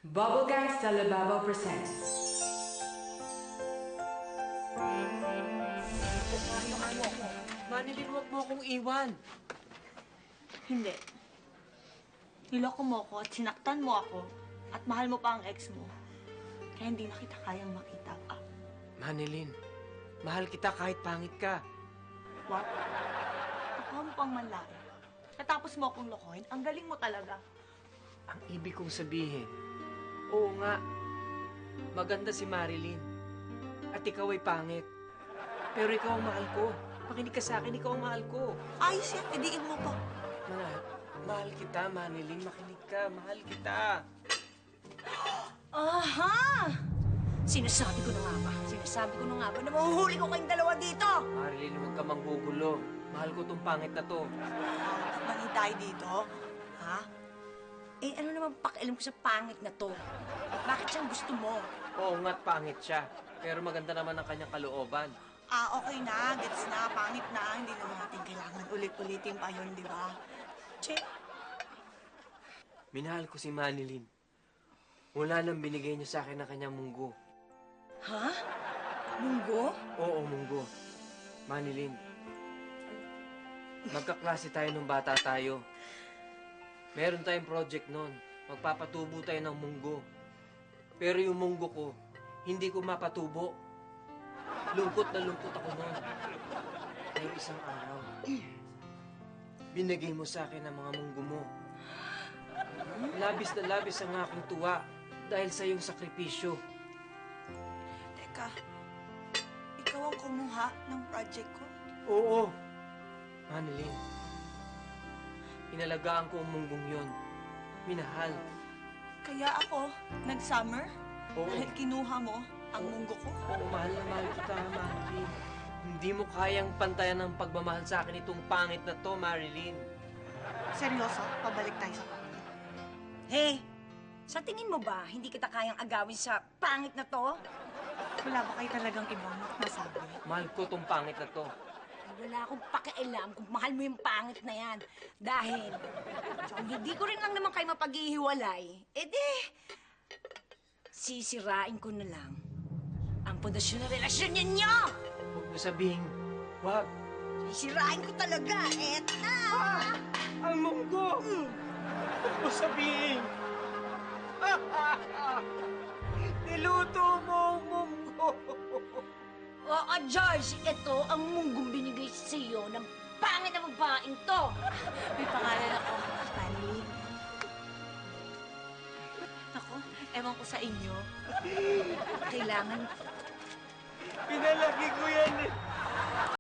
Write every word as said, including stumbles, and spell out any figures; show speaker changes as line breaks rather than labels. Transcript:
Bubblegang Salababo presents.
Manilin, huwag mo akong iwan.
Hindi. Niloko mo ako at sinaktan mo ako at mahal mo pa ang ex mo. Kaya hindi na kita kayang makita pa.
Manilin, mahal kita kahit pangit ka.
What? Nakuha mo pang manlaki. Natapos mo akong lokohin. Ang galing mo talaga.
Ang ibig kong sabihin, oo nga, maganda si Marilyn. At ikaw ay pangit. Pero ikaw ang mahal ko. Makinig ka sa akin, ikaw ang mahal ko.
Ayos yan. Idiin mo pa.
Mahal, mahal kita, Manilin. Makinig ka, mahal kita.
Aha! Sinasabi ko na nga ba? Sinasabi ko na nga ba na mahuhuli ko kayong dalawa dito?
Marilyn, huwag ka manggugulo. Mahal ko tong pangit na to.
Mani tayo dito.
Ha? Eh, ano naman pakialam ko sa pangit na to? Bakit siyang gusto mo?
Oo nga't pangit siya. Pero maganda naman ang kanyang kalooban.
Ah, okay na. Gets na. Pangit na. Hindi naman natin kailangan ulit-ulitin pa yun, di ba? Che.
Minahal ko si Manilyn. Mula nang binigay niya sa akin ang kanyang munggo.
Ha? Munggo?
Oo, munggo. Manilyn, magkaklase tayo nung bata tayo. Meron tayong project noon. Magpapatubo tayo ng munggo. Pero yung munggo ko, hindi ko mapatubo. Lungkot na lungkot ako noon. Pero isang araw, binigay mo sa akin ang mga munggo mo. Labis na labis ang aking tuwa dahil sa iyong sakripisyo.
Teka. Ikaw ang kumuha ng project ko?
Oo, Manilyn. Inalagaan ko ang munggong yon. Minahal.
Kaya ako, nag-summer?
Oo.
Dahil kinuha mo ang munggo ko?
Oo, mahal na mahal kita, Manilyn. Hindi mo kayang pantayan ng pagmamahal sa akin itong pangit na to, Marilyn.
Seryoso? Pabalik tayo sa pangit.
Hey, sa tingin mo ba hindi kita kayang agawin sa pangit na to?
Wala ba kayo talagang ibang masabi?
Mahal ko itong pangit na to.
Ay, wala akong pakialam kung mahal mo yung pangit na yan. Dahil, kung hindi ko rin lang naman kayo mapaghihiwalay, edi, sisirain ko na lang ang pundasyon ng relasyon ninyo!
Huwag mo sabihin, wag.
Sisirain ko talaga, et na!
Ah! Ang munggo!
Mm.
Huwag mo sabihin! Niluto mo ang munggo!
Oo, George, ito ang munggong binigay sa iyo ng pangit na babaeng to.
May pangalan ako, Manilyn. Ako, ewan ko sa inyo.
Kailangan,
Pinalaki ko yan